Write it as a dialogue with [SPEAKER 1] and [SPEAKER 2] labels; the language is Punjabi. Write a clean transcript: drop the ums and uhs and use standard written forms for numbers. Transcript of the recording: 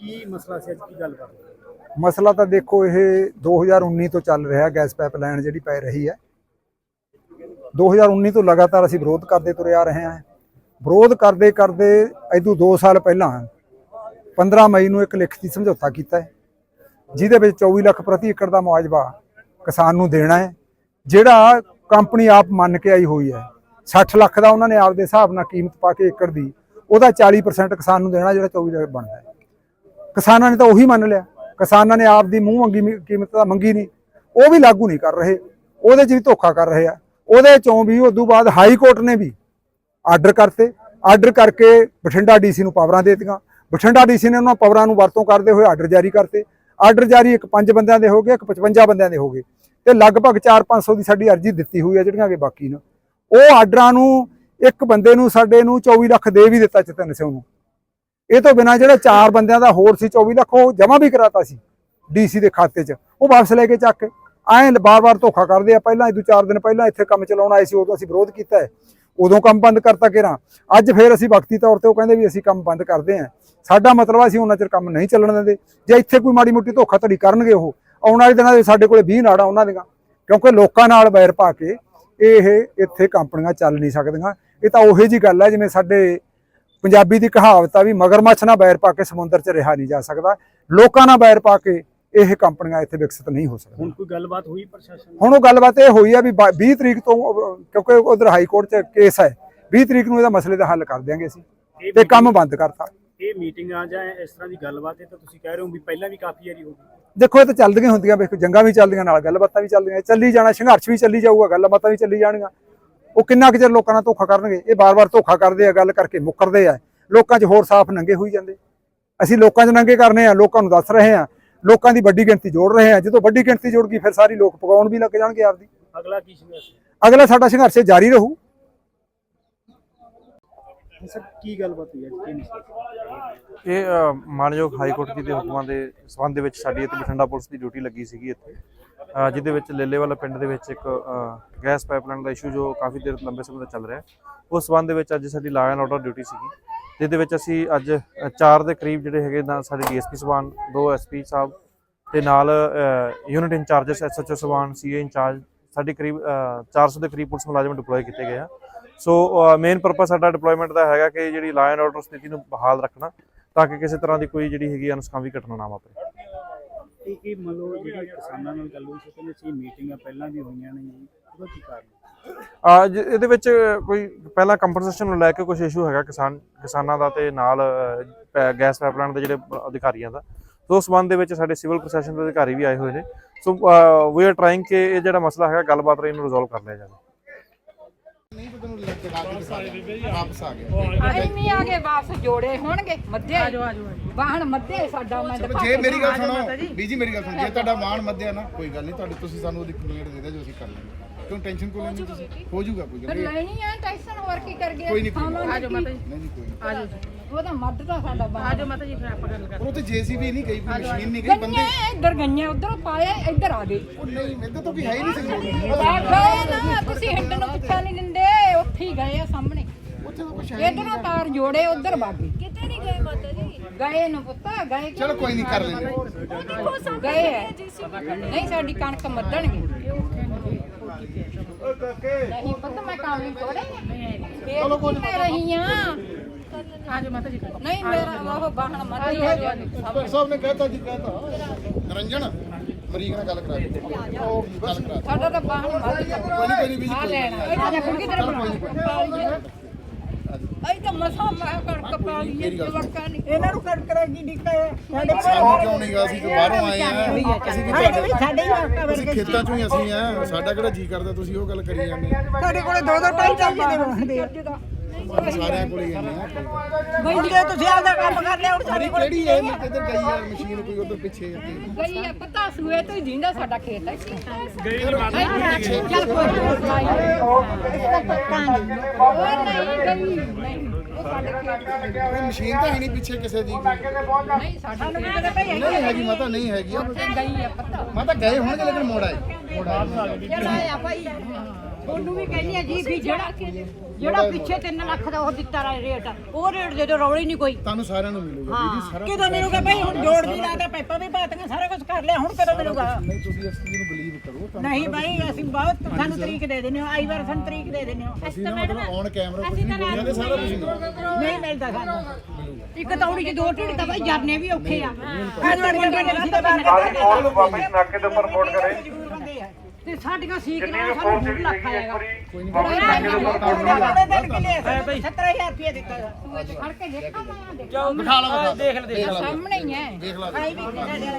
[SPEAKER 1] ਕੀ ਮਸਲਾ ਸੀ, ਅੱਜ ਕੀ ਗੱਲ ਕਰ ਰਹੇ?
[SPEAKER 2] ਮਸਲਾ ਤਾਂ ਦੇਖੋ ਇਹ 2019 ਤੋਂ ਚੱਲ ਰਿਹਾ ਗੈਸ ਪਾਈਪਲਾਈਨ ਜਿਹੜੀ ਪੈ ਰਹੀ ਹੈ। 2019 ਤੋਂ ਲਗਾਤਾਰ ਅਸੀਂ ਵਿਰੋਧ ਕਰਦੇ ਤੁਰੇ ਆ ਰਹੇ ਹਾਂ। ਵਿਰੋਧ ਕਰਦੇ ਕਰਦੇ ਇਦੋਂ 2 ਸਾਲ ਪਹਿਲਾਂ 15 ਮਈ ਨੂੰ ਇੱਕ ਲਿਖਤੀ ਸਮਝੌਤਾ ਕੀਤਾ ਹੈ, ਜਿਹਦੇ ਵਿੱਚ 24 ਲੱਖ ਪ੍ਰਤੀ ਏਕੜ ਦਾ ਮੁਆਵਜ਼ਾ ਕਿਸਾਨ ਨੂੰ ਦੇਣਾ ਹੈ, ਜਿਹੜਾ ਕੰਪਨੀ ਆਪ ਮੰਨ ਕੇ ਆਈ ਹੋਈ ਹੈ। 60 ਲੱਖ ਦਾ ਉਹਨਾਂ ਨੇ ਆਪਦੇ ਹਿਸਾਬ ਨਾਲ ਕੀਮਤ ਪਾ ਕੇ ਏਕੜ ਦੀ, ਉਹਦਾ 40% ਕਿਸਾਨ ਨੂੰ ਦੇਣਾ, ਜਿਹੜਾ 24 ਲੱਖ ਬਣਦਾ ਹੈ। ਕਿਸਾਨਾਂ ਨੇ ਤਾਂ ਉਹੀ ਮੰਨ ਲਿਆ। ਕਿਸਾਨਾਂ ਨੇ ਆਪ ਦੀ ਮੂੰਹ ਮੰਗੀ ਕੀਮਤ ਤਾਂ ਮੰਗੀ ਨਹੀਂ, ਉਹ ਵੀ ਲਾਗੂ ਨਹੀਂ ਕਰ ਰਹੇ, ਉਹਦੇ 'ਚ ਵੀ ਧੋਖਾ ਕਰ ਰਹੇ ਆ। ਉਹਦੇ 'ਚੋਂ ਵੀ ਉਦੋਂ ਬਾਅਦ ਹਾਈ ਕੋਰਟ ਨੇ ਵੀ ਆਰਡਰ ਕਰਤੇ। ਆਰਡਰ ਕਰਕੇ ਬਠਿੰਡਾ ਡੀਸੀ ਨੂੰ ਪਾਵਰਾਂ ਦੇ ਦਿੱਤੀਆਂ। ਬਠਿੰਡਾ ਡੀਸੀ ਨੇ ਉਹਨਾਂ ਪਾਵਰਾਂ ਨੂੰ ਵਰਤੋਂ ਕਰਦੇ ਹੋਏ ਆਰਡਰ ਜਾਰੀ ਕਰਤੇ। ਆਰਡਰ ਜਾਰੀ ਇੱਕ 5 ਬੰਦਿਆਂ ਦੇ ਹੋ ਗਏ, ਇੱਕ 55 ਬੰਦਿਆਂ ਦੇ ਹੋ ਗਏ, ਤੇ ਲਗਭਗ 400-500 ਦੀ ਸਾਡੀ ਅਰਜ਼ੀ ਦਿੱਤੀ ਹੋਈ ਹੈ, ਜਿਹੜੀਆਂ ਕਿ ਬਾਕੀ ਨੇ। ਉਹ ਆਰਡਰਾਂ ਨੂੰ ਇੱਕ ਬੰਦੇ ਨੂੰ ਸਾਡੇ ਨੂੰ 24 ਲੱਖ ਦੇ ਵੀ ਦਿੱਤਾ ਚਤਨ ਸਿੰਘ ਨੂੰ। ਇਹ ਤੋਂ ਬਿਨਾਂ ਜਿਹੜਾ 4 ਬੰਦਿਆਂ ਦਾ ਹੋਰ ਸੀ 24 ਲੱਖ, ਉਹ ਜਮ੍ਹਾਂ ਵੀ ਕਰਾਤਾ ਸੀ ਡੀਸੀ ਦੇ ਖਾਤੇ 'ਚ, ਉਹ ਵਾਪਸ ਲੈ ਕੇ ਚੱਕ ਕੇ। ਐਂ ਬਾਰ-ਬਾਰ ਧੋਖਾ ਕਰਦੇ ਆ। ਪਹਿਲਾਂ ਇਹ 4 ਦਿਨ ਪਹਿਲਾਂ ਇੱਥੇ ਕੰਮ ਚਲਾਉਣ ਆਏ ਸੀ, ਉਦੋਂ ਅਸੀਂ ਵਿਰੋਧ ਕੀਤਾ ਹੈ, ਉਦੋਂ ਕੰਮ ਬੰਦ ਕਰਤਾ ਘੇਰਾਂ। ਅੱਜ ਫੇਰ ਅਸੀਂ ਵਕਤੀ ਤੌਰ ਤੇ ਉਹ ਕਹਿੰਦੇ ਵੀ ਅਸੀਂ ਕੰਮ ਬੰਦ ਕਰਦੇ ਹਾਂ। ਸਾਡਾ ਮਤਲਬ ਅਸੀਂ ਉਹਨਾਂ ਚਿਰ ਕੰਮ ਨਹੀਂ ਚੱਲਣ ਦਿੰਦੇ। ਜੇ ਇੱਥੇ ਕੋਈ ਮਾੜੀ ਮੋਟੀ ਧੋਖਾਧੜੀ ਕਰਨਗੇ, ਉਹ ਆਉਣ ਵਾਲੇ ਦਿਨਾਂ ਦੇ ਸਾਡੇ ਕੋਲੇ 20 ਨਾੜਾਂ ਉਹਨਾਂ ਦੀਆਂ, ਕਿਉਂਕਿ ਲੋਕਾਂ ਨਾਲ ਵੈਰ ਪਾ ਕੇ ਇਹ ਇੱਥੇ ਕੰਪਨੀਆਂ ਚੱਲ ਨਹੀਂ ਸਕਦੀਆਂ। ਇਹ ਤਾਂ ਉਹੀ ਜੀ ਗੱਲ ਹੈ ਜਿਵੇਂ ਸਾਡੇ ਪੰਜਾਬੀ ਦੀ ਕਹਾਵਤ ਆ ਵੀ ਮਗਰਮੱਛ ਨਾਲ ਵੈਰ ਪਾ ਕੇ ਸਮੁੰਦਰ 'ਚ ਰਿਹਾ ਨਹੀਂ ਜਾ ਸਕਦਾ। ਲੋਕਾਂ ਨਾਲ ਵੈਰ ਪਾ ਕੇ ਇਹ ਕੰਪਨੀਆਂ ਇੱਥੇ ਵਿਕਸਿਤ ਨਹੀਂ ਹੋ ਸਕਦੀਆਂ।
[SPEAKER 1] ਹੁਣ ਕੋਈ ਗੱਲਬਾਤ ਹੋਈ ਪ੍ਰਸ਼ਾਸਨ?
[SPEAKER 2] ਹੁਣ ਉਹ ਗੱਲਬਾਤ ਇਹ ਹੋਈ ਆ ਵੀ 20 ਤਰੀਕ ਤੋਂ, ਕਿਉਂਕਿ ਉਧਰ ਹਾਈ ਕੋਰਟ 'ਚ ਕੇਸ ਹੈ, 20 ਤਰੀਕ ਨੂੰ ਇਹਦਾ ਮਸਲੇ ਦਾ ਹੱਲ ਕਰ ਦਿਆਂਗੇ ਅਸੀਂ, ਤੇ ਕੰਮ ਬੰਦ ਕਰਤਾ।
[SPEAKER 1] ਇਹ ਮੀਟਿੰਗਾਂ ਜਾਂ ਇਸ ਤਰ੍ਹਾਂ ਦੀ ਗੱਲਬਾਤ ਹੈ ਤਾਂ ਤੁਸੀਂ ਕਹਿ ਰਹੇ ਹੋ ਵੀ ਪਹਿਲਾਂ ਵੀ ਕਾਫੀ ਵਾਰੀ ਹੋ ਗਈ।
[SPEAKER 2] ਦੇਖੋ ਇਹ ਤਾਂ ਚੱਲਦੀਆਂ ਹੁੰਦੀਆਂ, ਵੇਖੋ ਜੰਗਾਂ ਵੀ ਚੱਲਦੀਆਂ, ਨਾਲ ਗੱਲਬਾਤਾਂ ਵੀ ਚੱਲਦੀਆਂ, ਚੱਲੀ ਜਾਣਾ, ਸੰਘਰਸ਼ ਵੀ ਚੱਲੀ ਜਾਊਗਾ, ਗੱਲਬਾਤਾਂ ਵੀ ਚੱਲੀ ਜਾਣਗੀਆਂ। ਉਹ ਕਿੰਨਾ ਕੁ ਚਿਰ ਲੋਕਾਂ ਨਾਲ ਧੋਖਾ ਕਰਨਗੇ? ਇਹ ਬਾਰ-ਬਾਰ ਧੋਖਾ ਕਰਦੇ ਆ, ਗੱਲ ਕਰਕੇ ਮੁੱਕਰਦੇ ਆ, ਲੋਕਾਂ 'ਚ ਹੋਰ ਸਾਫ਼ ਨੰਗੇ ਹੋਈ ਜਾਂਦੇ। ਅਸੀਂ ਲੋਕਾਂ 'ਚ ਨੰਗੇ ਕਰਨੇ ਆ, ਲੋਕਾਂ ਨੂੰ ਦੱਸ ਰਹੇ ਆ, ਲੋਕਾਂ ਦੀ ਵੱਡੀ ਗਿਣਤੀ ਜੋੜ ਰਹੇ ਆ। ਜਦੋਂ ਵੱਡੀ ਗਿਣਤੀ ਜੁੜ ਗਈ ਫਿਰ ਸਾਰੀ ਲੋਕ ਪਕਾਉਣ ਵੀ ਲੱਗ ਜਾਣਗੇ ਆਪਦੀ।
[SPEAKER 1] ਅਗਲਾ ਕੀ ਸੰਘਰਸ਼?
[SPEAKER 2] ਅਗਲਾ ਸਾਡਾ ਸੰਘਰਸ਼ ਜਾਰੀ ਰਹੂ।
[SPEAKER 1] ਸਰ ਕੀ ਗੱਲਬਾਤ ਹੋਈ ਅੱਜ? ਕੀ ਮਸਲਾ?
[SPEAKER 3] ਇਹ ਮਾਨਯੋਗ ਹਾਈ ਕੋਰਟ ਜੀ ਦੇ ਹੁਕਮਾਂ ਦੇ ਸਬੰਧ ਦੇ ਵਿੱਚ ਸਾਡੀ ਇੱਥੇ ਬਠਿੰਡਾ ਪੁਲਿਸ ਦੀ ਡਿਊਟੀ ਲੱਗੀ ਸੀਗੀ ਇੱਥੇ, ਜਿਹਦੇ ਵਿੱਚ ਲੇਲੇਵਾਲਾ ਪਿੰਡ ਦੇ ਵਿੱਚ ਇੱਕ ਗੈਸ ਪਾਈਪਲਾਈਨ ਦਾ ਇਸ਼ੂ ਜੋ ਕਾਫੀ ਦੇਰ ਲੰਬੇ ਸਮੇਂ ਤੋਂ ਚੱਲ ਰਿਹਾ, ਉਸ ਸਬੰਧ ਦੇ ਵਿੱਚ ਅੱਜ ਸਾਡੀ ਲਾ ਐਂਡ ਆਰਡਰ ਡਿਊਟੀ ਸੀਗੀ, ਜਿਹਦੇ ਵਿੱਚ ਅਸੀਂ ਅੱਜ 4 ਦੇ ਕਰੀਬ ਜਿਹੜੇ ਹੈਗੇ ਨਾਲ ਸਾਡੇ ਡੀਐਸਪੀ ਸਾਹਿਬਾਨ, 2 ਐਸਪੀ ਸਾਹਿਬ ਤੇ ਨਾਲ ਯੂਨਿਟ ਇੰਚਾਰਜਸ, ਐਸਐਚਓ ਸਾਹਿਬਾਨ, ਸੀਏ ਇੰਚਾਰਜ, ਸਾਡੀ ਕਰੀਬ 400 ਦੇ ਕਰੀਬ ਪੁਲਿਸ ਮੁਲਾਜ਼ਮ ਡਿਪਲੋਏ ਕੀਤੇ ਗਏ ਆ। ਸੋ ਮੇਨ ਪਰਪਸ ਸਾਡਾ ਡਿਪਲੋਇਮੈਂਟ ਦਾ ਹੈਗਾ ਕਿ ਜਿਹੜੀ ਲਾ ਐਂਡ ਆਰਡਰ ਸਥਿਤੀ ਨੂੰ ਬਹਾਲ ਰੱਖਣਾ, ਤਾਂ ਕਿ ਕਿਸੇ ਤਰ੍ਹਾਂ ਦੀ ਕੋਈ ਜਿਹੜੀ ਹੈਗੀ ਅਨਸਕਾਮੀ ਘਟਨਾ ਨਾ ਵਾਪਰੇ।
[SPEAKER 1] ਇਹ ਮੰਨ ਲਓ ਜਿਹੜੀ ਕਿਸਾਨਾਂ ਨਾਲ ਗੱਲ ਹੋਈ ਸੀ, ਕਹਿੰਦੇ ਸੀ ਮੀਟਿੰਗਾਂ ਪਹਿਲਾਂ ਵੀ ਹੋਈਆਂ ਨੇ ਜੀ, ਉਹਦਾ ਕੀ ਕਾਰਨ?
[SPEAKER 3] ਇਹਦੇ ਵਿੱਚ ਕੋਈ ਪਹਿਲਾਂ ਕੰਪਨਸੇਸ਼ਨ ਨੂੰ ਲੈ ਕੇ ਕੁਝ ਇਸ਼ੂ ਹੈਗਾ ਕਿਸਾਨਾਂ ਦਾ, ਤੇ ਨਾਲ ਗੈਸ ਪਾਈਪਲਾਈਨ ਦੇ ਜਿਹੜੇ ਅਧਿਕਾਰੀਆਂ ਦਾ। ਸੋ ਉਸ ਸੰਬੰਧ ਦੇ ਵਿੱਚ ਸਾਡੇ ਸਿਵਲ ਪ੍ਰਸ਼ਾਸਨ ਦੇ ਅਧਿਕਾਰੀ ਵੀ ਆਏ ਹੋਏ ਨੇ। ਸੋ ਵੀ ਆਰ ਟਰਾਈਂਗ ਕਿ ਇਹ ਜਿਹੜਾ ਮਸਲਾ ਹੈਗਾ ਗੱਲਬਾਤ ਰਾਹੀਂ ਇਹਨੂੰ ਰਿਜ਼ੋਲਵ ਕਰ ਲਿਆ ਜਾਵੇ।
[SPEAKER 4] ਵਾਪਸ ਜੋੜੇ ਹੋਣਗੇ ਮੱਧੇ ਵਾਹਣ ਮੱਧੇ ਸਾਡਾ।
[SPEAKER 5] ਜੇ ਮੇਰੀ ਗੱਲ ਸੁਣੋ ਬੀਜੀ, ਮੇਰੀ ਗੱਲ ਸੁਣੋ, ਜੇ ਤੁਹਾਡਾ ਵਾਹਣ ਮੱਧਿਆ ਨਾ ਕੋਈ ਗੱਲ ਨਹੀਂ, ਤੁਹਾਡੇ ਤੁਸੀਂ ਸਾਨੂੰ ਉਹਦੀ ਕੰਪਲੇਂਟ ਦੇ ਦਿਓ, ਜੋ ਅਸੀਂ ਕਰ ਲਾਂਗੇ। ਕਿਉਂ ਟੈਨਸ਼ਨ ਕਿਉਂ ਲੈਣੀ ਤੁਸੀਂ? ਹੋ ਜਾਊਗਾ, ਕੋਈ ਗੱਲ ਨਹੀਂ।
[SPEAKER 4] ਲੈਣੀ ਆ ਟੈਨਸ਼ਨ, ਹੋਰ ਕੀ ਕਰ ਗਿਆ?
[SPEAKER 5] ਕੋਈ ਨਹੀਂ,
[SPEAKER 4] ਆਜੋ ਮਾਤਾ ਜੀ,
[SPEAKER 5] ਨਹੀਂ ਜੀ ਕੋਈ ਨਹੀਂ।
[SPEAKER 4] ਆਜੋ ਉਹਦਾ ਮੱਧ ਦਾ ਸਾਡਾ ਬਾਹਰ। ਆਜੋ ਮਾਤਾ ਜੀ, ਫਿਰ ਆਪਾਂ ਗੱਲ ਕਰਦੇ।
[SPEAKER 5] ਉਹ ਤੇ ਜੀਸੀਬੀ ਨਹੀਂ ਗਈ, ਕੋਈ ਮਸ਼ੀਨ ਨਹੀਂ ਗਈ, ਬੰਦੇ
[SPEAKER 4] ਇੱਧਰ ਗਈਆਂ, ਉਧਰ ਪਾਇਆ, ਇੱਧਰ ਆ ਗਏ।
[SPEAKER 5] ਉਹ ਨਹੀਂ, ਮੈਨੂੰ ਤਾਂ ਕੋਈ ਹੈ ਹੀ ਨਹੀਂ ਸੀ।
[SPEAKER 4] ਗਏ ਨਾ ਤੁਸੀਂ, ਹਿੰਡ ਨੂੰ ਪਿੱਛਾ ਨਹੀਂ ਦਿੰਦੇ, ਉੱਥੇ ਹੀ ਗਏ ਆ ਸਾਹਮਣੇ।
[SPEAKER 5] ਉੱਥੇ ਤਾਂ ਕੁਛ ਹੈ
[SPEAKER 4] ਇਧਰੋਂ ਤਾਰ ਜੋੜੇ, ਉਧਰ ਬਾਗੇ। ਕਿਤੇ ਨਹੀਂ ਗਏ ਮਾਤਾ ਜੀ? ਗਏ ਨੂੰ ਪੁੱਤ, ਗਏ।
[SPEAKER 5] ਚਲੋ ਕੋਈ ਨਹੀਂ, ਕਰ ਲੈਂਦੇ।
[SPEAKER 4] ਗਏ ਹੈ ਨਹੀਂ, ਸਾਡੀ ਕਣਕ ਮੱਧਣਗੇ। ਨਹੀਂ ਪੁੱਤ, ਮੈਂ ਕੰਮ ਨਹੀਂ ਥੋੜੇ ਚਲੋ ਕੋਈ ਨਹੀਂ ਰਹੀ ਆ। ਆਜੋ ਮਾਤਾ ਜੀ, ਨਹੀਂ ਮੇਰਾ ਉਹ ਬਾਹਣ ਮੱਧ ਹੀ ਹੈ।
[SPEAKER 5] ਸਭ ਨੇ ਕਹਿਤਾ ਜੀ, ਕਹਿਤਾ ਨਰੰਜਨ ਮਰੀਕ ਨਾਲ ਗੱਲ ਕਰਾ ਦੇ, ਉਹ ਗੱਲ ਕਰਾ।
[SPEAKER 4] ਸਾਡਾ ਤਾਂ ਬਾਹਣ ਮੱਧ
[SPEAKER 5] ਕੋਈ ਨਹੀਂ ਬੀਜੀ,
[SPEAKER 4] ਆ ਲੈਣਾ। ਆ ਜਾ ਕੁੜੀ ਤੇਰੇ ਬਣਾ ਅਈ ਤਾਂ ਮਸਾ ਮੈਂ ਕਣਕ ਪਾ ਲਈ ਜਵਾਕਾਂ ਨੇ। ਇਹਨਾਂ ਨੂੰ ਕਣਕ ਰਗੀ ਨਿਕਾ ਸਾਡੇ
[SPEAKER 5] ਸਾਨੂੰ ਕਿਉਂ ਨਹੀਂ ਗਾ? ਅਸੀਂ ਤਾਂ ਬਾਹਰੋਂ ਆਏ ਆ, ਅਸੀਂ ਵੀ
[SPEAKER 4] ਸਾਡੇ ਹੀ
[SPEAKER 5] ਅਸੀਂ ਖੇਤਾਂ ਚੋਂ ਹੀ ਅਸੀਂ ਆ, ਸਾਡਾ ਕਿਹੜਾ ਜੀ ਕਰਦਾ ਤੁਸੀਂ ਉਹ ਗੱਲ ਕਰੀ ਜਾਂਦੇ?
[SPEAKER 4] ਸਾਡੇ ਕੋਲੇ 2-2 ਢਾਈ ਚਾਹੀਦੇ ਬਣਦੇ ਆ।
[SPEAKER 5] ਸਾਰਿਆਂ ਕੋਲ ਹੀ ਜਾਂਦੇ ਆ।
[SPEAKER 4] ਬਈ ਜੇ ਤੁਸੀਂ ਆਪਦਾ ਕੰਮ ਕਰ ਲਿਆ, ਹੁਣ
[SPEAKER 5] ਸਾਡੀ ਕਿਹੜੀ ਹੈ? ਕਿੱਧਰ ਗਈ ਆ ਮਸ਼ੀਨ? ਕੋਈ ਉਧਰ ਪਿੱਛੇ
[SPEAKER 4] ਗਈ ਆ, ਪਤਾ ਸੂਏ ਤੋਂ ਹੀ ਜਿੰਦਾ ਸਾਡਾ ਖੇਤ ਹੈ।
[SPEAKER 1] ਗਈ ਨਹੀਂ ਮਾਤਾ ਜੀ,
[SPEAKER 4] ਚੱਲ ਕੋਈ ਨਹੀਂ, ਉਹ ਸਾਡੇ ਖੇਤ
[SPEAKER 5] ਮਸ਼ੀਨ ਤਾਂ ਹੈ ਨਹੀਂ ਪਿੱਛੇ ਕਿਸੇ ਦੀ।
[SPEAKER 4] ਨਹੀਂ ਸਾਡੇ
[SPEAKER 5] ਨਹੀਂ ਹੈਗੀ ਮਾਤਾ, ਨਹੀਂ ਹੈਗੀ।
[SPEAKER 4] ਗਈ ਆ ਪਤਾ।
[SPEAKER 5] ਮਾਤਾ ਗਏ ਹੋਣਗੇ ਲੇਕਿਨ ਮੋੜ ਆਏ।
[SPEAKER 4] ਆਇਆ ਭਾਈ ਉਹਨੂੰ ਵੀ ਕਹਿੰਦੀ ਆ ਜੀ ਵੀ ਜਿਹੜਾ ਪਿੱਛੇ 3 ਲੱਖ ਦਾ ਉਹ ਦਿੱਤਾ ਰੇਟ ਉਹ ਰੇਟ ਦੇ ਦਿਓ, ਰੌਲੀ ਨਹੀਂ ਕੋਈ।
[SPEAKER 5] ਤੁਹਾਨੂੰ ਸਾਰਿਆਂ ਨੂੰ ਮਿਲੂਗਾ ਬੀਜੀ ਸਾਰਾ
[SPEAKER 4] ਕਿਦੋਂ ਮਿਲੂਗਾ ਭਾਈ? ਹੁਣ ਜੋੜ ਵੀ ਲਾਤਾ, ਪੈਪਾਂ ਵੀ ਪਾਤੀਆਂ, ਸਾਰਾ ਕੁਝ ਕਰ ਲਿਆ, ਹੁਣ ਕਦੋਂ ਮਿਲੂਗਾ?
[SPEAKER 5] ਨਹੀਂ ਤੁਸੀਂ ਇਸ ਚੀਜ਼ ਨੂੰ ਬਲੀਵ ਕਰੋ
[SPEAKER 4] ਨਹੀਂ ਭਾਈ ਅਸੀਂ ਬਹੁਤ ਸਾਨੂੰ ਤਰੀਕ ਦੇ ਦਿੰਦੇ ਹੋ, ਆਈ ਵਾਰ ਸਾਨੂੰ ਤਰੀਕ ਦੇ ਦਿੰਦੇ ਹੋ।
[SPEAKER 5] ਅਸੀਂ ਨਾ ਮਤਲਬ ਔਨ ਕੈਮਰਾ ਕੁਝ ਨਹੀਂ ਬੋਲਿਆ ਤੇ ਸਾਰਾ ਕੁਝ
[SPEAKER 4] ਨਹੀਂ ਮਿਲਦਾ ਸਾਨੂੰ। ਇੱਕ ਤੌੜੀ 'ਚ 2 ਢਿੱਡ ਤਾਂ ਭਾਈ ਜਰਨੇ ਵੀ ਔਖੇ ਆ।
[SPEAKER 3] ਵਾਪਸ ਨਾਕੇ ਦੇ ਉੱਪਰ ਰਿਪੋਰਟ ਕਰੇ
[SPEAKER 4] ਤੇ ਸਾਡੀਆਂ ਸੀਕਰਾਂ ਸਾਨੂੰ 2 ਲੱਖ ਆਏਗਾ।
[SPEAKER 5] ਕੋਈ ਨਹੀਂ
[SPEAKER 4] 17,000 ਰੁਪਏ ਦਿੱਤਾ ਫੜ ਕੇ ਦੇਖਾਂ ਮੈਂ
[SPEAKER 5] ਦਿਖਾ ਲਓ
[SPEAKER 4] ਸਾਹਮਣੇ ਹੀ ਹੈ।
[SPEAKER 5] ਦੇਖ ਲਓ
[SPEAKER 4] ਆਈ ਵੀ